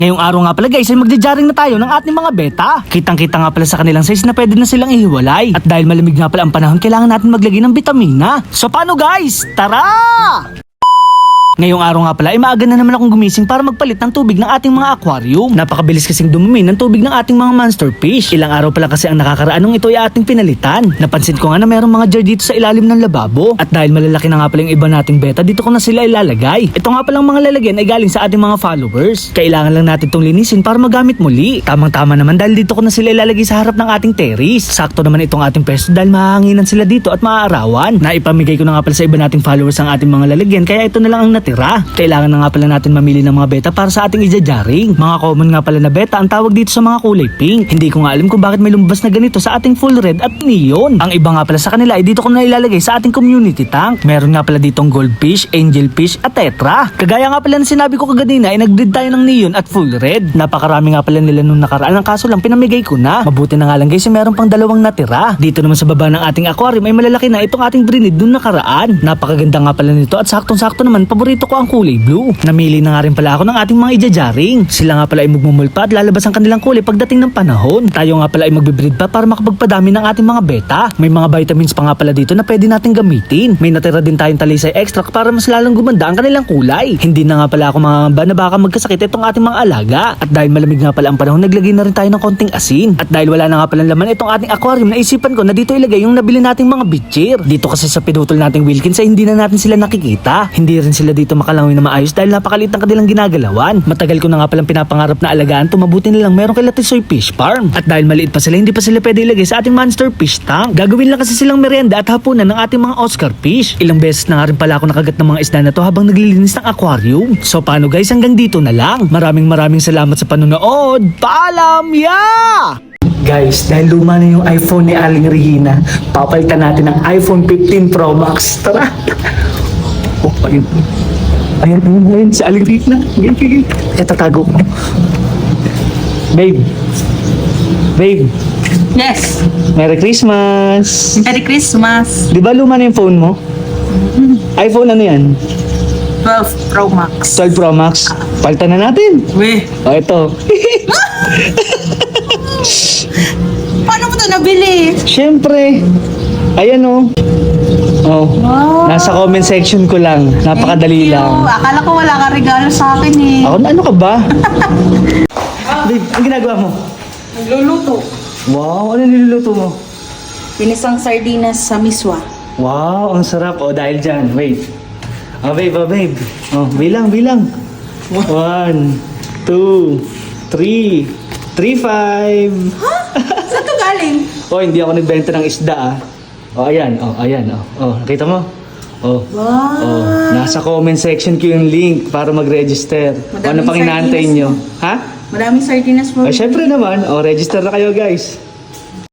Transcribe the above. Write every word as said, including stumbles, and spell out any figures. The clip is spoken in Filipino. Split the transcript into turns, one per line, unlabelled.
Ngayong araw nga pala guys ay magja-jaring na tayo ng ating mga beta. Kitang-kita nga pala sa kanilang size na pwede na silang ihiwalay. At dahil malamig nga pala ang panahon, kailangan natin maglagay ng bitamina. So paano guys? Tara! Ngayong araw nga pala ay maaga na naman akong gumising para magpalit ng tubig ng ating mga aquarium. Napakabilis kasing dumumi ng tubig ng ating mga monster fish. Ilang araw pala kasi ang nakakaraan nung ito ay ating pinalitan. Napansin ko nga na mayroong mga jar dito sa ilalim ng lababo. At dahil malalaki na nga pala yung iba nating beta, dito ko na sila ilalagay. Ito nga palang mga lalagyan ay galing sa ating mga followers. Kailangan lang natin itong linisin para magamit muli. Tamang-tama naman dahil dito ko na sila ilalagay sa harap ng ating terrace. Sakto naman itong ating pwesto dahil mahahanginan sila dito at maaarawan. Naipamigay ko na nga pala sa iba nating followers ang ating mga lalagyan, kaya ito na lang ang natira. Kailangan na nga pala natin mamili ng mga beta para sa ating ija-jaring. Mga common nga pala na beta ang tawag dito sa mga kulay pink. Hindi ko nga alam kung bakit may lumabas na ganito sa ating full red at neon. Ang iba nga pala sa kanila ay dito ko na ilalagay sa ating community tank. Meron nga pala ditong goldfish, angelfish at tetra. Kagaya nga pala na sinabi ko kaganina ay nag-breed tayo ng neon at full red. Napakarami nga pala nila nung nakaraan. Ang kaso lang pinamigay ko na. Mabuti na nga lang guys, meron pang dalawang natira. Dito naman sa baba ng ating aquarium ay malalaki na itong ating brinid nung nakaraan. Napakaganda nga pala nito at saktong-sakto naman paborito ko ang kulay blue. Namili na nga rin pala ako ng ating mga ija-jaring. Sila nga pala ay magmumulpa at lalabas ang kanilang kulay pagdating ng panahon. Tayo nga pala ay magbe-breed pa para makapagpadami ng ating mga beta. May mga vitamins pa nga pala dito na pwede natin gamitin. May natira din tayong talisay extract para mas lalong gumanda ang kanilang kulay. Hindi na nga pala ako mangangamba na baka magkasakit itong ating mga alaga. At dahil malamig nga pala ang panahon, naglagay na rin tayo ng konting asin. At dahil wala na nga pala laman itong ating aquarium, naisipan ko na dito ilagay yung nabili nating mga bitchir. Dito kasi sa pinutol nating Wilkins ay hindi na natin sila nakikita. Hindi rin sila dito makalangoy na maayos dahil napakaliit ng kanilang ginagalawan. Matagal ko na nga palang pinapangarap na alagaan to, mabuti na lang meron kay Latisoy Fish Farm. At dahil maliit pa sila, hindi pa sila pwede ilagay sa ating monster fish tank. Gagawin lang kasi silang merienda at hapunan ng ating mga Oscar fish. Ilang beses na nga rin pala ako nakagat ng mga isda na to habang naglilinis ng aquarium. So paano guys, hanggang dito na lang. Maraming maraming salamat sa panonood. Paalam! Yeah! Guys, dahil luma na yung iPhone ni Aling Regina, papalitan natin ng iPhone fifteen Pro Max. Tara! Oh, ayun. Ayan, ayan, ayan, si Aling Regina. Gigi, gigi. Kaya tatago ko. Babe. Babe.
Yes.
Merry Christmas.
Merry Christmas.
Di ba luma na yung phone mo? iPhone ano yan?
twelve Pro Max.
twelve Pro Max. Palitan na natin.
Weh.
O, ito.
Paano mo ito nabili?
Siyempre. Ayan o. Oh.
Wow.
Nasa comment section ko lang. Napakadali
Thank you.
lang.
Akala ko wala kang regalo sa akin eh.
Ako, ano ka ba? Babe, ang ginagawa mo?
Nagluluto.
Wow, ano niluluto mo?
Pinisang sardinas sa miswa.
Wow, ang sarap. O, dahil dyan. Wait. Oh, babe, oh, babe. Oh, bilang, bilang. One, two, three, three, five.
Ha? Saan to galing?
Oh, hindi ako nagbenta ng isda ah. Oh, ayan. Oh, ayan. Oh, oh nakita mo? Oh.
Wow.
Oh, nasa comment section ko yung link para mag-register.
Madaming
Ano pang inaantay
sardinas
nyo? Ha?
Maraming sardinas mo.
Ay, syempre naman. Oh, register na kayo guys.